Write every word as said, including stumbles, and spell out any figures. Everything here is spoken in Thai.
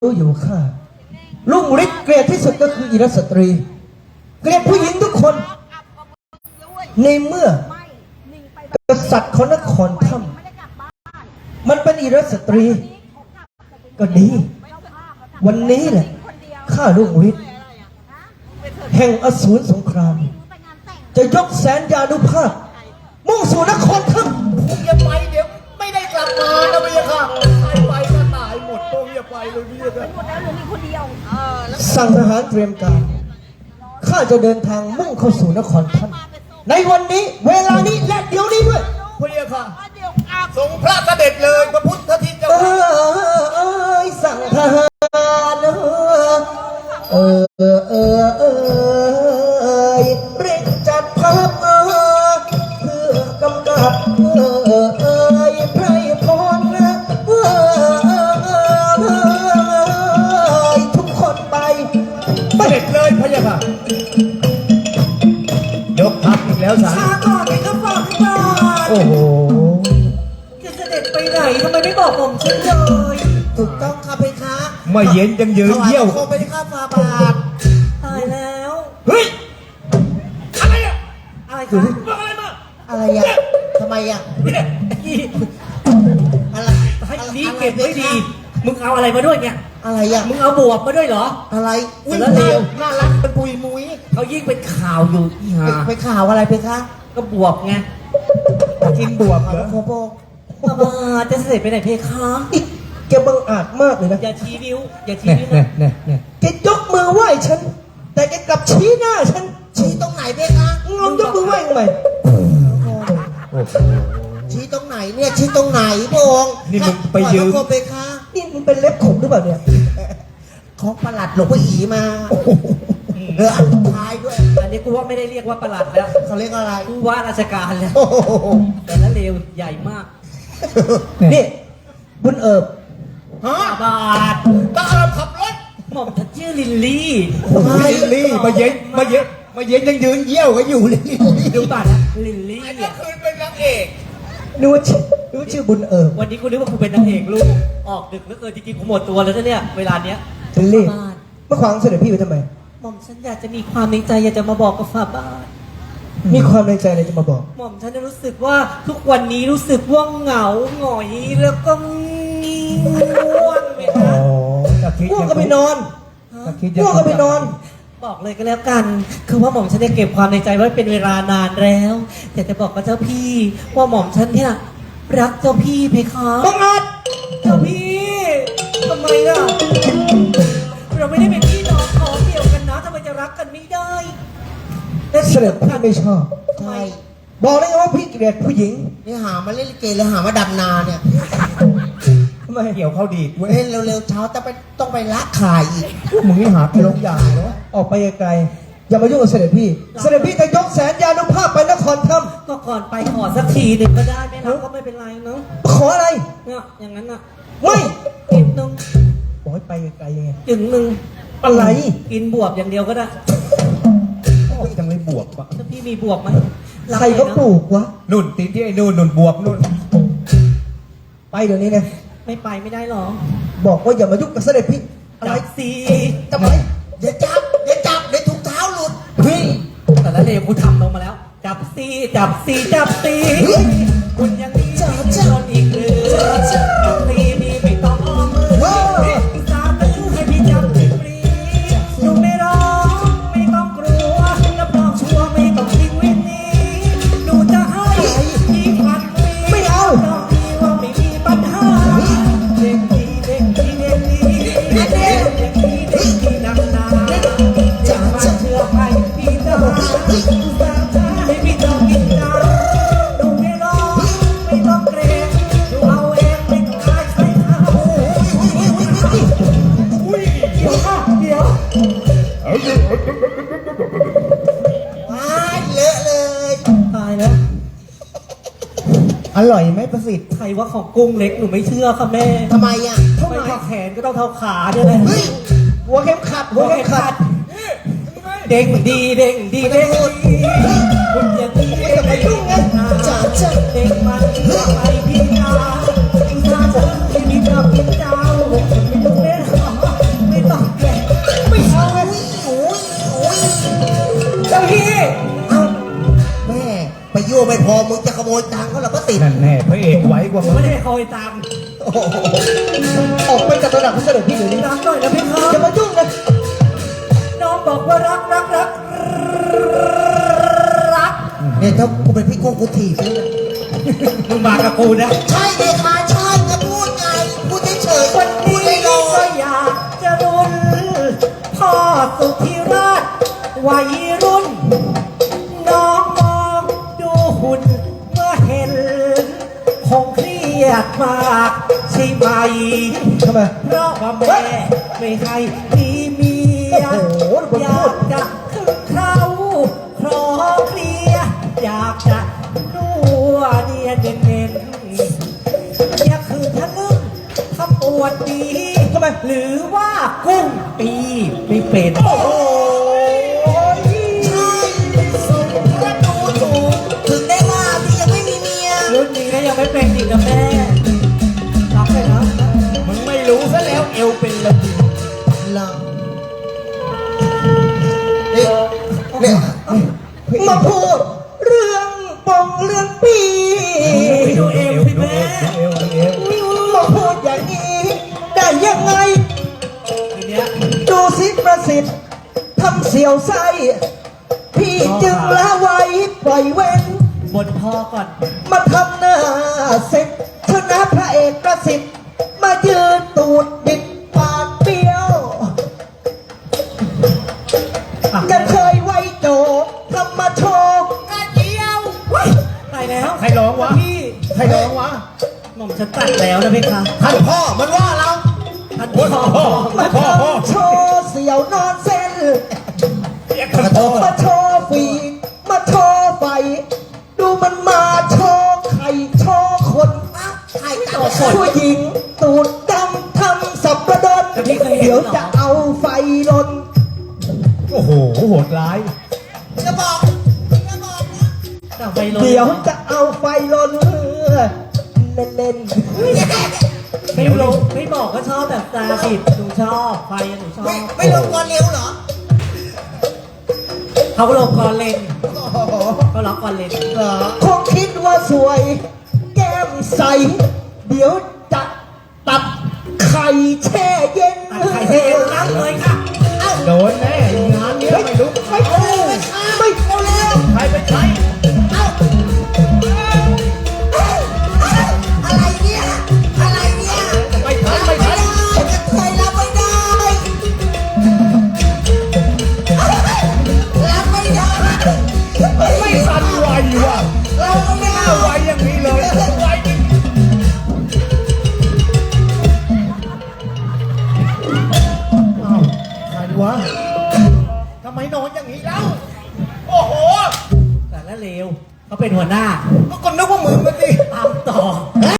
รู้อยู่ข้าลุงฤทธิ์เกลียดที่สุดก็คืออิรสตรีเกลียดผู้หญิงทุกคนในเมื่อกษัตริย์ของนครถ้ำมันเป็นอิรสตรีก็ดีวันนี้แหละข้าลุงฤทธิ์แห่งอสูรสงครามจะยกแสนยานุภาพมุ่งสู่นครถ้ำผมอย่าไปเดี๋ยวไม่ได้กลับมานะพี่ค่ะใครไปก็ตายหมดผมอย่าไปเลยพี่ค่ะหมดแล้วเหลือมีคนเดียวสั่งทหารเตรียมการข้าจะเดินทางมุ่งเข้าสู่นครถ้ำในวันนี้เวลานี้และเดี๋ยวนี้ด้วยพี่ค่ะทรงพระเสด็จเลยพระพุทธทิศเจ้าเออสั่งทหารเออเออเออเออรีบจัดทัพเออเพื่อกำกับเออเออไพรพรนะเออเออทุกคนไปเสด็จเลยพระยาค่ะยกทัพอีกแล้วสารช้าก่อนไอ้ก็ฝากก่อนโอ้โหจะเสด็จไปไหนทำไมไม่บอกผมฉันเลยถูกต้องค่ะเพคะไม่เย็นจังยืนเยี่ยวคงไปข้าฟาบาทตายแล้วเฮ้ยอะไรอะอะไรกันอะไรมาอะไรอะทำไมอะอะไรให้นี้เก็บไว้ดีมึงเอาอะไรมาด้วยเนี่ยอะไรอะมึงเอาบวบมาด้วยเหรออะไรอุ้ยแล้วเร็วน่ารักเป็นปุยมุ้ยเขายิ่งเป็นข่าวอยู่อีห่าไปข่าวอะไรเพคะก็บวบไงกินบวบเหรอโคโบมาจะเสด็จไปไหนเพคะแกบังอาจมากเลยนะอย่าชี้นิ้วอย่าชี้นิ้วนะเนี่ยเนี่ยแกยกมือไหว้ฉันแต่แกกลับชี้หน้าฉันชี้ตรงไหนเพคะลองยกมือไหว้ทำไมชี้ตรงไหนเนี่ยชี้ตรงไหนพงนี่มึงไปยืมเพคะนี่มึงเป็นเล็บขมหรือเปล่าเนี่ยของประหลัดหลวงพ่ออีมาเอออันท้ายด้วยอันนี้กูว่าไม่ได้เรียกว่าประหลัดแล้วเขาเรียกอะไรกูว่าราชการแล้วแต่ละเลวใหญ่มากนี่บุญเอิบฮะบาทตาเราขับรถหม่อมฉันชื่อลินลี่ลินลี่มาเย็นมาเย็นมาเย็นยังยืนเยี่ยวกันอยู่ลินลี่ดูบาทนะลินลี่อันนี้คือเป็นนางเอกนึกว่าชื่อนึกว่าชื่อบุญเอิบวันนี้กูนึกว่ากูเป็นนางเอกลูกออกดึกเหลือเกินจริงๆกูหมดตัวแล้วนะเนี่ยเวลาเนี้ยลินลี่มาขวางเสด็จพี่ไว้ทำไมหม่อมฉันอยากจะมีความในใจอยากจะมาบอกกับฝ่าบาทมีความในใจอะไรจะมาบอกหม่อมฉันรู้สึกว่าทุกวันนี้รู้สึกว่าเหงาหงอยแล้วก็ง่วงไหมคะง่วงก็ไปนอนง่วงก็ไปนอนบอกเลยก็แล้วกันคือว่าหม่อมฉันได้เก็บความในใจไว้เป็นเวลานานแล้วแต่จะบอกกับเจ้าพี่ว่าหม่อมฉันเนี่ยรักเจ้าพี่เพคะบังอาจเจ้าพี่ทำไมล่ะเราไม่ได้เป็นพี่น้องของเดียวกันนะทำไมจะรักกันไม่ได้เสด็จพี่ไม่ชอบใช่บอกเลยว่าพี่เกลียดผู้หญิงนี่หามาเล่นลิเกหรือหามาดำนาเนี่ยทำไมเกี่ยวเข้าดีดเว้ยเร็วๆเช้าแต่ไปต้องไปละขายอีกมึงนี่หาไปลงยาเนาะออกไปไกลอย่ามายุ่งกับเสด็จพี่เสด็จพี่จะยกแสนยานุภาพไปนครถ้ำก็ก่อนไปขอสักทีหนึ่งก็ได้ไม่รับก็ไม่เป็นไรเนาะขออะไรเนี่ยอย่างนั้นอ่ะไม่กินนึงบอกให้ไปไกลยังไงถึงหนึ่งอะไรกินบวบอย่างเดียวก็ได้ยังไม่บวบปะถ้าพี่มีบวบไหมใครเขาปลูกวะนุ่นตีนที่ไอ้นุ่นนุ่นบวบนุ่นไปเดี๋ยวนี้นะไม่ไปไม่ได้หรอบอกว่าอย่ามายุ่งกับเสด็จพี่อะไรสิทำไมอย่าจับอย่าจับเดี๋ยวถุงเท้าหลุดเฮ้ยแต่ละเลวกูทำลงมาแล้วจับซีจับซีจับซีคุณยังมีจับจับอีกหรือจับซีนี่ไม่ต้องอ้อมมือสาธุให้พี่จับฟรีหนูไม่ร้องไม่ต้องกลัวรับรองชัวร์ไม่ต้องทิ้งวินนี้หนูจะให้ที่พันปีไม่เอาว่าไม่มีปัญหาเด็กดีเด็กดีเด็กดีเด็กดีเด็กดีเด็กดีนักหนาจะมาเชื่อให้พี่จะหาสาธุให้พี่ต้องกินน้ำหนูไม่ร้องไม่ต้องเกรงหนูเอาเองไม่ต้องขายใส่ข้าวเดี๋ยวค่ะเดี๋ยวว้ายเลอะเลยตายแล้วอร่อยไหมประสิทธิ์ใครว่าของกุ้งเล็กหนูไม่เชื่อค่ะแม่ทำไมอ่ะทำไมเท่าแขนก็ต้องเท่าขาด้วยเลยหัวเข็มขัดหัวเข็มขัดเด้งดีเด้งดีเด้งดีคุณอย่างนี้ไม่จะไปยุ่งไงจ้าจ้าเด้งมันไปพี่นาจ้าจ้าที่มีกับพี่เจ้าไม่ต้องเล่นยตังค์เขาเหรอก็ติดนั่นแน่พระเอกไว้กว่าผมมึงไม่ได้คอยตามโอ้โหออกไปจากระดับพระเสด็จพี่เดี๋ยวนี้นะรักหน่อยนะพี่ครัอย่ามายุ่งนะน้องบอกว่ารักรักรักรักเนี่ยถ้ากูเป็นพี่โกงกูถีบเลยนะมึงมากับกูนะใช่เลยค่ะใช่จะพูดไงพูดเฉยๆวันพูนี้ดลอยก็อยากจะรุนพ่อสุธิราชวัยรุ่น น้องมองดูหุ่นเมื่อเห็นคงเครียดมากใช่ไหมๆทำไมเพราะว่าแม่ไม่ให้มีเมียโอ้โหดูคนพูดอยากจะขึ้นเขาคลอเคลียร์อยากจะนัวเนียเน้นๆอยากคือทะลึ่งขมวดดีทำไมหรือว่ากุ้งปีไม่เป็นโอ้ยใช่สมกระดูถูกถึงได้ว่าที่ยังไม่มีเมียรุ่นนี้ก็ยังไม่เป็นอีกนะแม่รักเลยนะมึงไม่รู้ซะแล้วเอวเป็นระเบียบเราเนี่ยเนี่ยมาพูดเรื่องปองเรื่องปีไปดูเอวสิแม่เอวเอวมาพูดอย่างนี้ได้ยังไงทีเนี้ยดูสิประสิทธิ์ทำเสียวไส้พี่จึงละไว้ปล่อยเว้นบนพ่อก่อนมาทำหน้าเสร็จชนะพระเอกประสิทธิ์ มายืนตูดบิดปากเปี้ยวอ่ะจะเคยไว้โจทำมาโชว์กระเจียวตายแล้วใครร้องวะพี่ใครร้องวะหม่อมฉันตัดแล้วนะพี่คะท่านพ่อมันว่าเราท่านโอ้พ่ยอพ่อมาพ่อพ่อทำโชว์เสียวนอนเส้นเรียกกันพ่อมาโชว์ฝีมาโชว์ไฟ ดูมันมาโชว์ไข่โชว์คนไข่ต่อคนผู้หญิง ตูดดำทำสับประดนเดี๋ยวจะเอาไฟลนโอ้โหโหดร้ายจะบอกจะบอกแต่ไปลงเดี๋ยวจะเอาไฟลนเล่นไม่ลงไม่บอกก็ชอบแบบตาปิดหนูชอบไฟอะหนูชอบๆไม่ลงก่อนเร็วเหรอเขาลงก่อนเลนเขาล็อกก่อนเลนคงคิดว่าสวย แก้มใส เดี๋ยวจะตัดไข่แช่เย็นตัดไข่เทเอ็นรับเลยค่ะโดนแน่งานเนี้ยไม่รู้ไม่เอาไม่เอาเร็วใครเป็นใครอะไรเนี่ย อะไรเนี่ยไม่ทันไม่ทันใครรับไม่ได้ รับไม่ได้ไม่ทันไวว่ะเราไม่หน้าเอาไวอย่างนี้เลยไวจริงอ้าวใครวะทำไมนอนอย่างนี้แล้ว โอ้โหแต่ละเลวเขาเป็นหัวหน้าก็นึกว่ามึงกันดิตามต่อ